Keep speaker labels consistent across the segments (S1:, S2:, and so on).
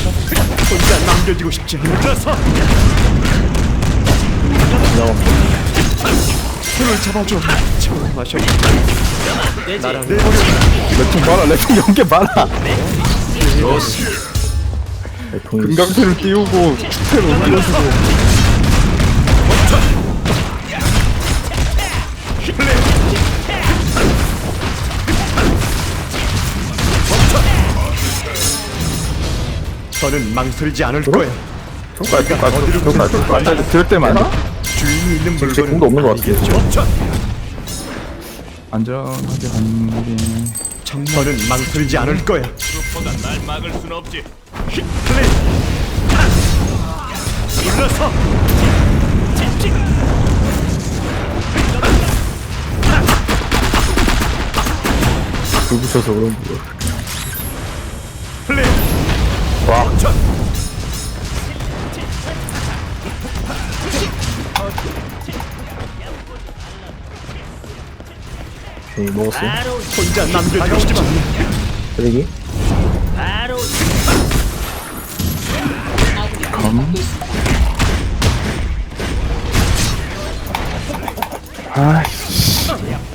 S1: 혼자 남겨지고 싶지 않아서 손을 잡아줘. 처음 마셔. 나랑 내버려.
S2: 레통 많아. 레통 연계 많아. 금강패를 띄우고 축패를 올려주고.
S1: 저는 망설이지 않을 거야.
S2: 정말 들 때만
S1: 주인이 있는
S2: 제
S1: 물건은
S2: 공도 없는 것 같아요.
S1: 아니겠죠?
S2: 안전하게 가는 게
S1: 저는 망설이지 않을 거야.
S3: 슈퍼가 날 막을 순 없지.
S1: 플레이. 불러서.
S2: 불 붙여서 그런 거.
S1: 플레이.
S2: 와. 오케이, 먹었어.
S1: 혼자 남겨지고 싶지 않아.
S2: 쓰레기. 검. 아이씨.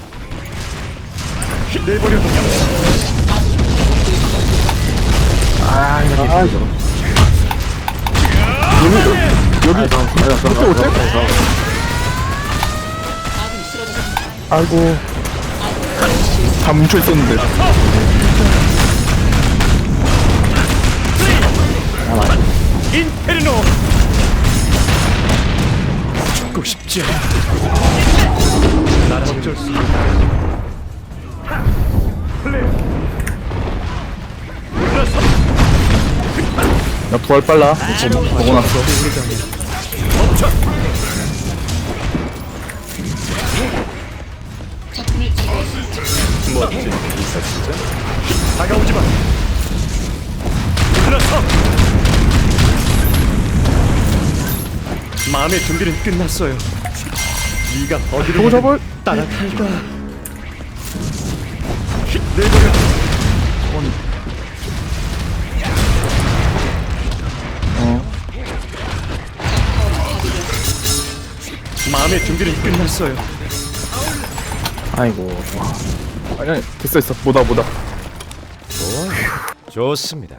S1: 내버려.
S2: 여기 아이고 다 뭉쳐 있었는데.
S1: 인페르노. 죽고 싶지 않아. 나랑 어쩔 수 없어. 플레이. 불러서.
S2: 나 부활 빨라. 먹어놨어.
S1: 멋진 기사 진짜. 다가오지 마. 불러서. 마음의 준비는 끝났어요. 네가 어디로
S2: 저거 잡아.
S1: 따라갈까? 내버려. 마음의 준비는 끝났어요.
S2: 아이고. 아니 됐어. 뭐다.
S1: 좋습니다.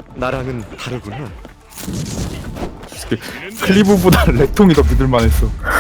S1: 나랑은 다르구나.
S2: 클리브보다 레통이 더 믿을만했어.